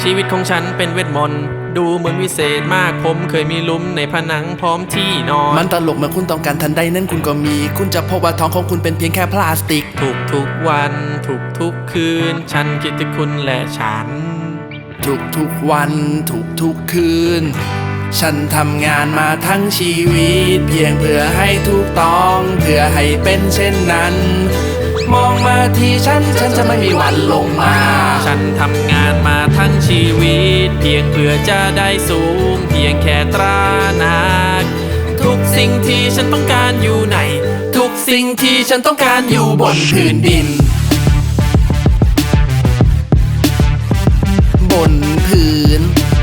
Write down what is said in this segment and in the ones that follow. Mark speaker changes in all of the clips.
Speaker 1: ชีวิตของฉันเป็นเวทมนต์ดูเหมือนวิเศษมากผมเคยมีหลุมในผนังพร้อมที่นอน
Speaker 2: มันตลกเมื่อคุณต้องการทันใดนั้นคุณก็มีคุณจะพบว่าท้องของคุณเป็นเพียงแค่พลาสติก
Speaker 1: ทุกวันทุกคืนฉันคิดถึงคุณและฉัน
Speaker 2: ทุกวันทุกคืนฉันทำงานมาทั้งชีวิตเพียงเพื่อให้ถูกต้องเพื่อให้เป็นเช่นนั้นมองมาที่ฉันจะไม่มีวันลงมา
Speaker 1: ฉันทำงานมาทั้งชีวิตเพียงเพื่อจะได้สูงเพียงแค่ตราหนักทุกสิ่งที่ฉันต้องการอยู่ใน
Speaker 2: ทุกสิ่งที่ฉันต้องการอยู่บนพื้นดินบนพื้น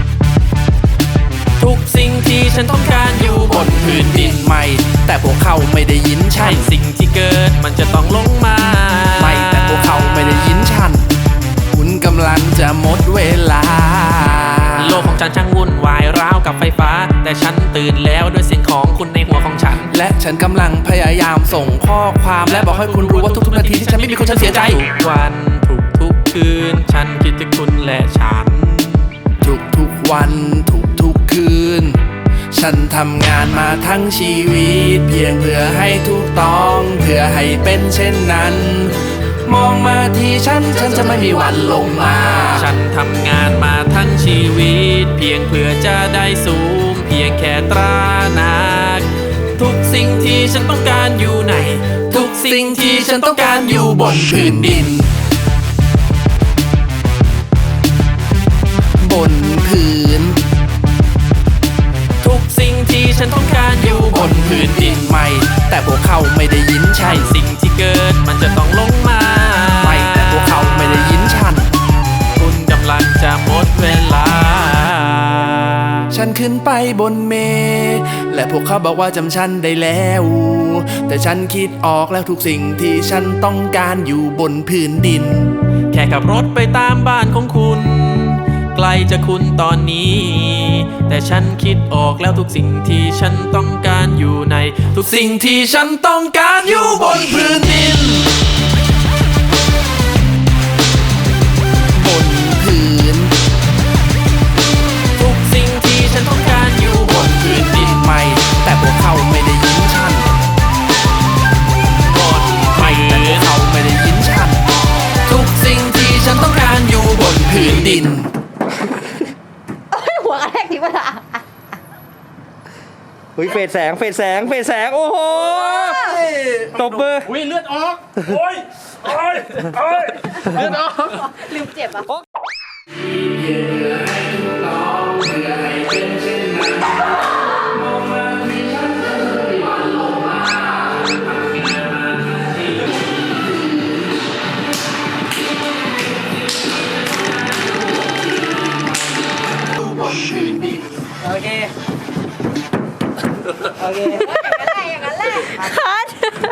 Speaker 1: ทุกสิ่งที่ฉันต้องการอยู่บนพื้นดิน
Speaker 2: ไม่แต่พวกเขาไม่ได้ยินฉัน
Speaker 1: สิ่งที่เกิดมันจะต้องลงมา
Speaker 2: ไม่แต่พวกเขาไม่ได้ยินฉันคุณกำลังจะหมดเวลา
Speaker 1: โลกของฉันช่างวุ่นวายราวกับไฟฟ้าแต่ฉันตื่นแล้วด้วยเสียงของคุณในหัวของฉัน
Speaker 2: และฉันกำลังพยายามส่งข้อความและบอกให้คุณรู้ว่าทุกนาทีที่ฉันไม่มีคุณฉันเสียใจ
Speaker 1: ทุกวันทุกคืนฉันคิดถึงคุณและฉัน
Speaker 2: ทุกวันทุกคืนฉันทำงานมาทั้งชีวิตเพียงเพื่อให้ถูกต้องเพื่อให้เป็นเช่นนั้นมองมาที่ฉันจะไม่มีวันลงมา
Speaker 1: ฉันทำงานมาทั้งชีวิตเพียงเพื่อจะได้สูงเพียงแค่ตราหนักทุกสิ่งที่ฉันต้องการอยู่ใน
Speaker 2: ทุกสิ่งที่ฉันต้องการอยู่บนพื้นดินบนพื้น
Speaker 1: ทุกสิ่งที่ฉันต้องการอยู่บนพื้นดิน
Speaker 2: ไม่แต่พวกเขาไม่ได้ยินฉัน
Speaker 1: สิ่งที่เกิดมันจะต้องลงมา
Speaker 2: ไม่แต่พวกเขาไม่ได้ยินฉัน
Speaker 1: คุณกำลังจะหมดเวลา
Speaker 2: ฉันขึ้นไปบนเมฆและพวกเขาบอกว่าจำฉันได้แล้วแต่ฉันคิดออกแล้วทุกสิ่งที่ฉันต้องการอยู่บนพื้นดิน
Speaker 1: แค่ขับรถไปตามบ้านของคุณไกลจากคุณตอนนี้แต่ฉันคิดออกแล้วทุกสิ่งที่ฉันต้องการอยู่ในทุกสิ่งที่ฉันต้องการอยู่บนพื้นดิน
Speaker 2: บนพื้น
Speaker 1: ทุกสิ่งที่ฉันต้องการอยู่บนพื้นดิน
Speaker 2: ไม่แต่พวกเขาไม่ได้ยินฉัน
Speaker 1: บน
Speaker 2: ไม่แต่พวกเขาไม่ได้ยินฉันทุกสิ่งที่ฉันต้องการอยู่บนพื้นดิน
Speaker 3: หัวกระแทกที่มันอะ
Speaker 4: เฟดแสงโอ้โหตบมือ
Speaker 1: เลือดออกโอ้ยเลือดออก
Speaker 3: ลืมเจ็บอ่ะ
Speaker 4: โอเค